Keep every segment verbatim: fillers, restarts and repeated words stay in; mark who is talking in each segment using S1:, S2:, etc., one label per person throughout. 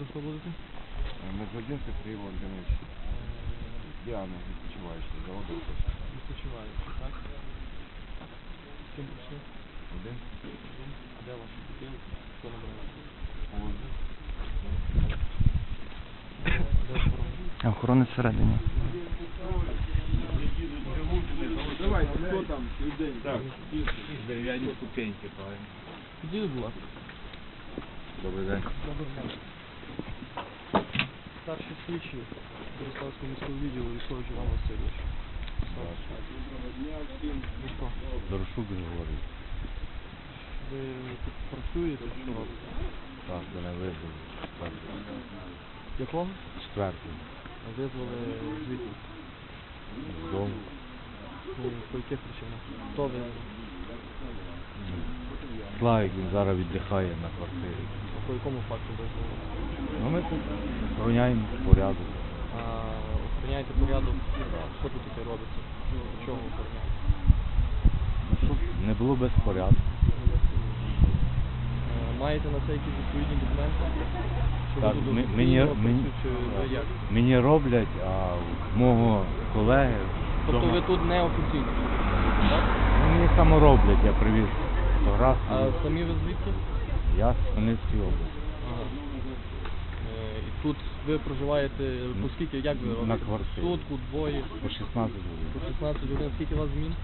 S1: Це хто будете?
S2: Медвединський Сергій Володимирович. Діана, відпочиваючий, заводу.
S1: Відпочиваючи, так? З ким прийшли?
S2: Один.
S1: Один. А де ваші бутилки? Хто набирає?
S2: Положи.
S1: Де охорона?
S3: Охорони всередині.
S2: Давай, хто там?
S4: Так, дерев'яні ступеньки, правильно.
S1: Підійдіть, будь ласка.
S4: Добрий день.
S1: Добрий день. Старший слідчий Бориславського міського відділу Військович Іван Васильович. Ви хто?
S4: Дорошук Григорій.
S1: Ви тут працюєте, що робите?
S4: Так, мене визвали.
S1: Якого?
S4: Четвертий.
S1: Визвали звідти.
S4: З дому.
S1: Ну, по яких причинах? Хто ви?
S4: Славік, він зараз віддихає на квартирі.
S1: А по якому факту визвали?
S4: Ну ми тут охороняємо порядок.
S1: А охороняєте порядок? Що тут таке робиться? Чого охороняєте?
S4: Ну, щоб не було безпорядку.
S1: Е, Маєте на це якісь відповідні документи? Що ви
S4: Так,
S1: тут
S4: ми-
S1: офіційно
S4: мені,
S1: працюєте,
S4: мені,
S1: чи ви як?
S4: мені роблять, а в мого колеги...
S1: Тобто
S4: вдома-
S1: ви тут не офіційно? Так?
S4: Ну, мені само роблять, я привіз
S1: А
S4: фотографію.
S1: самі ви звідки?
S4: Я з Хмельницької області.
S1: Ага. Е, І тут ви проживаєте, по скільки, як ви
S4: На
S1: робите?
S4: квартирі.
S1: Сутку, двоє,
S4: По шістнадцять
S1: по
S4: годин.
S1: шістнадцять годин. Скільки у вас змін?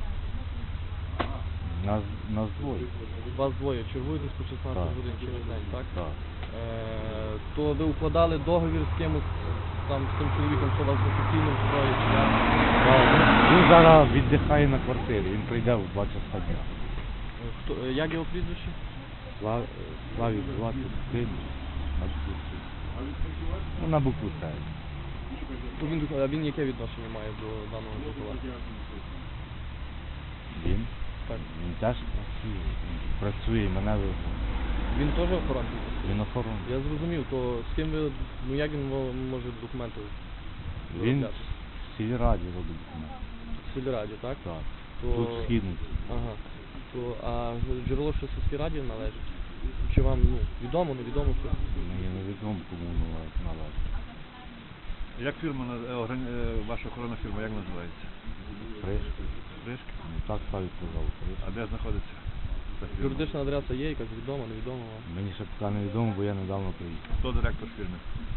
S4: Нас, нас двоє.
S1: Вас двоє. Чергуєтесь по шістнадцять
S4: Так.
S1: годин через день, так?
S4: Так.
S1: Е, То ви укладали договір з кимось, там, з тим чоловіком, що вас офіційно встроїть? чи як?
S4: Так, він- Він зараз віддихає на квартирі, він прийде в два часа дня.
S1: Е, Хто, е, як його прізвище?
S4: Слав, Славік звати син, на букву С. Ну, на букву С.
S1: Ну, Він, а він яке відношення має до даного житла?
S4: Він?
S1: Так.
S4: Він теж працює. Він працює і мене визнав.
S1: Він теж охоронний?
S4: Він охоронний.
S1: Я зрозумів, то з ким ви, ну як він мо- може документи
S4: Він
S1: виробляти?
S4: в сільраді робить документи.
S1: В сільраді, так?
S4: Так.
S1: То...
S4: Тут східний.
S1: Ага. То, а джерело що сільській раді належить? Чи вам, ну, відомо, невідомо що?
S4: Мені невідомо, кому належить. належить.
S5: Як фірма, на- е, органі- е, ваша охоронна фірма, як називається?
S4: Пришки.
S5: Бришки?
S4: Ну, так Славік казав. Пришки.
S5: А де знаходиться ця фірма?
S1: Юридична адреса є, якась відома, невідома вам?
S4: Мені ще поки невідомо, бо я недавно приїхав.
S5: Хто директор фірми?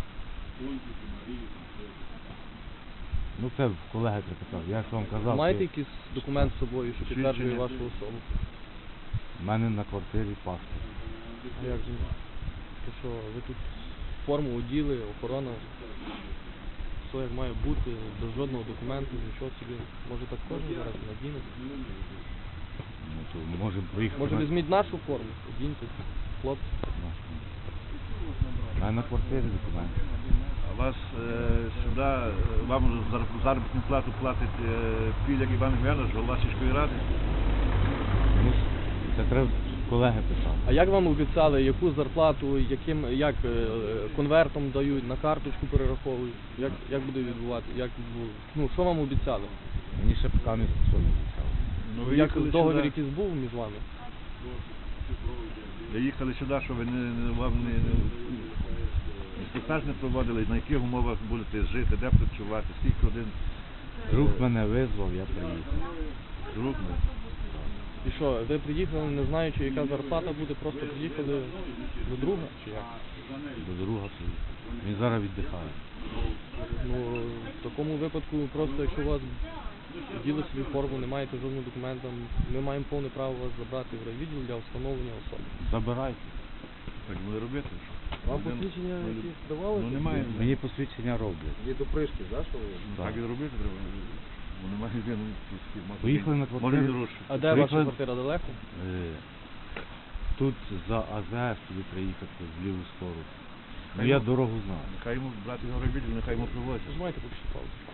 S4: Ну це в колеги припитав. Я ж вам казав,
S1: Маєте
S4: що
S1: якийсь документ з собою, що підтверджує
S5: Свідчення?
S1: вашу особу?
S4: в мене на квартирі паспорт.
S1: А як же? То що, ви тут форму оділи, охорона, все як має бути, без жодного документу, нічого собі. Може так кожен зараз надіне?
S4: Ну, то можемо проїхати.
S1: Може
S4: на-
S1: візьміть нашу форму, одіньте, хлопці.
S4: нашу. У мене на квартирі документи.
S5: А вас е, сюди, е, вам зар- заробітну плату платить е, Піляк Іван Гвянович, голова сільської ради?
S4: Ну, це треба колеги писати.
S1: А як вам обіцяли, яку зарплату, яким, як е, конвертом дають, на карточку перераховують? Як, як буде відбувати? Як, бу- ну, що вам обіцяли?
S4: Мені ще поки не що не обіцяли.
S5: Ну, ви
S1: Як
S5: їхали
S1: договір
S5: сюди,
S1: якийсь був між вами?
S5: ви їхали сюди, що ви не, не, вам не, не, інструктаж не проводили, на яких умовах будете жити, де працювати, скільки один
S4: Друг мене визвав, я приїхав.
S5: друг не.
S1: І що, ви приїхали, не знаючи, яка зарплата буде, просто приїхали до друга, чи як?
S4: До друга приїхав. Він зараз віддихає.
S1: Ну, в такому випадку, просто якщо у вас діли собі форму, не маєте жодного документа, ми маємо повне право вас забрати в райвідділ для встановлення особи.
S4: Забирайте.
S5: Так буде робити? що?
S1: Вам
S5: Один-
S1: посвідчення
S5: ну,
S1: якісь давали?
S5: Ну немає.
S4: Мені посвідчення роблять.
S1: Є до пришки, так, що ви?
S5: Так і робити треба. Бо немає він.
S4: Поїхали на квартиру.
S5: Може дорожче.
S1: А де ваша
S4: Приїхали-
S1: квартира далеко?
S4: Е, Тут за АЗС тобі приїхати в ліву сторону. Ну
S5: Хай
S4: я
S5: ну-
S4: дорогу знаю.
S5: Нехай йому брати його робити, нехай йому привозять.
S1: Нажимайте поки що паузу.